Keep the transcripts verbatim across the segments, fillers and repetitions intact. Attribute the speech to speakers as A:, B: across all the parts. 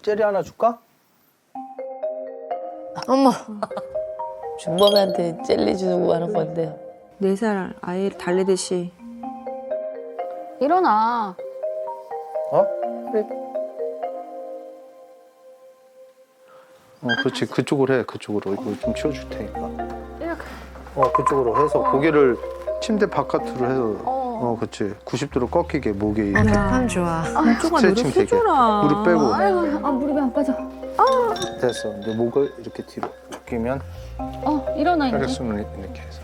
A: 젤리 하나 줄까?
B: 어머. 준범이한테 젤리 주고 하는 건데.
C: 네 살 아이를 달래듯이.
D: 일어나.
A: 어? 그래. 어, 그렇지. 그쪽으로 해. 그쪽으로. 이거 좀 치워줄 테니까.
D: 이렇게.
A: 어, 그쪽으로 해서 고개를 침대 바깥으로 해서 어, 그렇지. 구십 도로 꺾이게 목에 이렇게
B: 참 좋아.
C: 한쪽아
A: 스트레칭 되게.
C: 노력해줘라.
A: 무릎 빼고.
D: 아이고, 아, 무릎이 안 빠져.
A: 됐어. 이제 목을 이렇게 뒤로 꺾이면
D: 어, 일어나, 이제.
A: 혈액순환 이렇게 해서.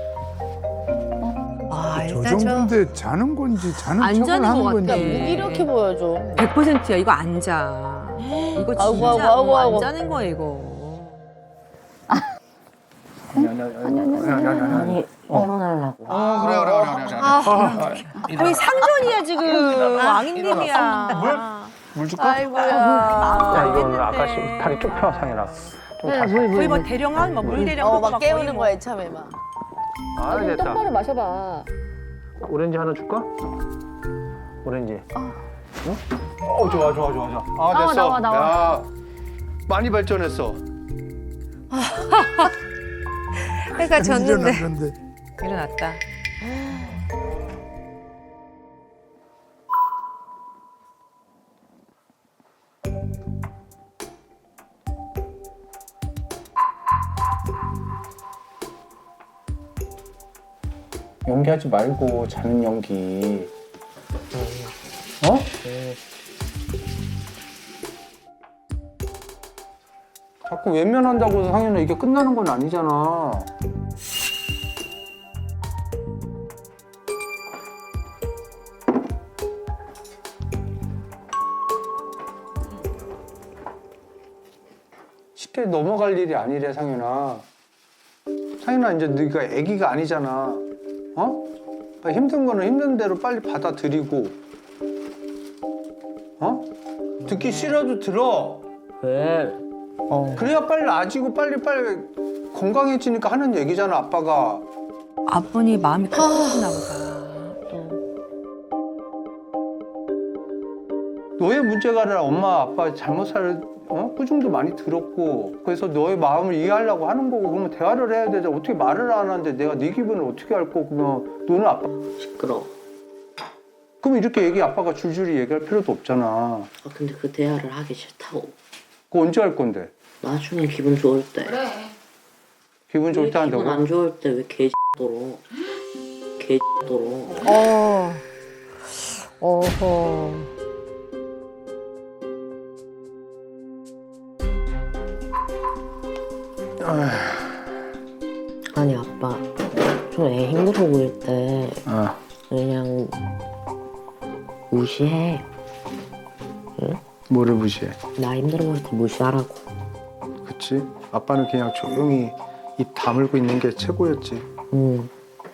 B: 아,
E: 저
B: 일단 저
E: 정도인데 자는 건지 자는
C: 안
E: 척을
C: 자는
E: 하는
C: 것
E: 건지.
C: 같아.
B: 무기력해 보여줘.
C: 백 퍼센트야. 이거 안 자. 이거 진짜
B: 아이고, 아이고, 아이고,
C: 어,
B: 아이고.
C: 안 자는 거야 이거.
A: 아니 아니 아니 아니 아니 아니 아니.
B: 일어나려고.
A: 어 그래 그래 그래 그래. 그래.
C: 거의 상전이야 지금. 왕인님이야.
A: 물 줄까?
B: 아이고야.
A: 야 이거 아까 씨 다리 쭉 펴 상현아. 좀 다시.
C: 거의 뭐 대령한 뭐물 대령.
B: 어, 막 깨우는 거야, 참에 막.
A: 아 됐다.
D: 똑바로 마셔봐.
A: 오렌지 하나 줄까? 오렌지. 어? 어 좋아 좋아 좋아 좋아. 아
D: 나와,
A: 됐어.
D: 나와, 나와.
A: 야 많이 발전했어.
B: 해가 졌는데.
E: 일어났는데.
C: 일어났다.
A: 연기하지 말고 자는 연기. 어? 자꾸 외면한다고 해서 상현아 이게 끝나는 건 아니잖아. 쉽게 넘어갈 일이 아니래 상현아. 상현아 이제 네가 아기가 아니잖아. 어? 힘든 거는 힘든 대로 빨리 받아들이고, 어? 듣기 싫어도 들어.
B: 왜?
A: 어. 그래야 빨리 나아지고 빨리 빨리 건강해지니까 하는 얘기잖아 아빠가.
C: 아버님 마음이 급해졌나 보다. 또.
A: 너의 문제가 아니라 엄마 아빠 잘못 살 어? 꾸중도 많이 들었고 그래서 너의 마음을 이해하려고 하는 거고 그러면 대화를 해야 되잖아. 어떻게 말을 안 하는데 내가 네 기분을 어떻게 알 거고 그러면 너는 아빠
F: 시끄러워.
A: 그럼 이렇게 얘기 아빠가 줄줄이 얘기할 필요도 없잖아.
F: 아, 근데 그 대화를 하기 싫다고.
A: 그거 언제 할 건데?
F: 나중에 기분 좋을 때.
D: 그래.
A: 기분 좋을 때
F: 왜 기분
A: 한다고?
F: 안 좋을 때 왜 개X도로. 개X도로.
B: 어. 어허.
F: 아니 아빠. 좀 애 힘들어 보일 때
A: 아,
F: 그냥 무시해.
A: 뭐를 무시해?
F: 나 힘들어 보일 때 무시하라고.
A: 그치? 아빠는 그냥 조용히 입 다물고 있는 게 최고였지.
F: 응.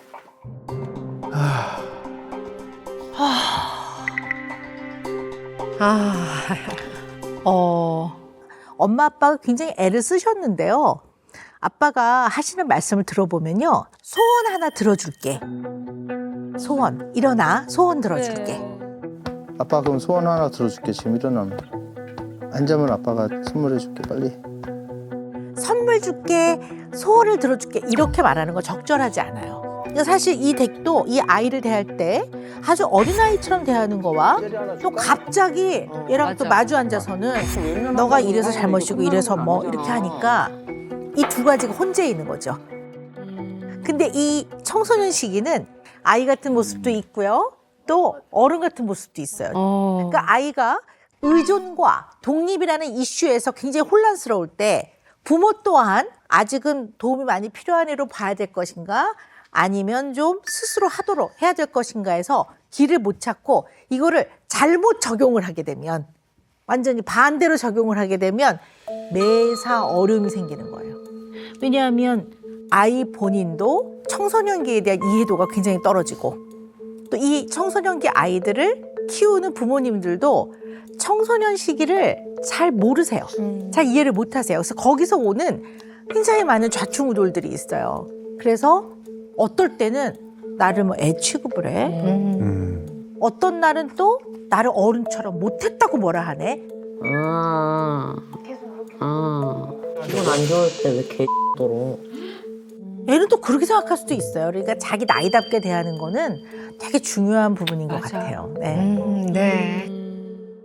B: 아.
G: 어, 엄마 아빠가 굉장히 애를 쓰셨는데요. 아빠가 하시는 말씀을 들어보면요. 소원 하나 들어줄게. 소원. 일어나. 소원 들어줄게.
A: 아빠 그럼 소원 하나 들어줄게. 지금 일어나면. 안 자면 아빠가 선물해줄게 빨리.
G: 선물 줄게. 소원을 들어줄게. 이렇게 말하는 거 적절하지 않아요. 그러니까 사실 이 덱도 이 아이를 대할 때 아주 어린아이처럼 대하는 거와 또 갑자기 얘랑 또 마주 앉아서는 너가 이래서 잘못이고 이래서 뭐 이렇게 하니까 이 두 가지가 혼재 있는 거죠. 근데 이 청소년 시기는 아이 같은 모습도 있고요. 또 어른 같은 모습도 있어요. 그러니까 아이가 의존과 독립이라는 이슈에서 굉장히 혼란스러울 때 부모 또한 아직은 도움이 많이 필요한 애로 봐야 될 것인가 아니면 좀 스스로 하도록 해야 될 것인가 해서 길을 못 찾고 이거를 잘못 적용을 하게 되면 완전히 반대로 적용을 하게 되면 매사 어려움이 생기는 거예요. 왜냐하면 아이 본인도 청소년기에 대한 이해도가 굉장히 떨어지고 또 이 청소년기 아이들을 키우는 부모님들도 청소년 시기를 잘 모르세요.
B: 음.
G: 잘 이해를 못 하세요. 그래서 거기서 오는 굉장히 많은 좌충우돌들이 있어요. 그래서 어떨 때는 나를 뭐 애 취급을 해.
B: 음.
E: 음.
G: 어떤 날은 또 나를 어른처럼 못했다고 뭐라 하네.
F: 아, 아, 기분 안 좋을 때 왜 개X도록.
G: 얘는 또 그렇게 생각할 수도 있어요. 그러니까 자기 나이답게 대하는 거는 되게 중요한 부분인 것
C: 맞아.
G: 같아요. 네.
B: 음, 네.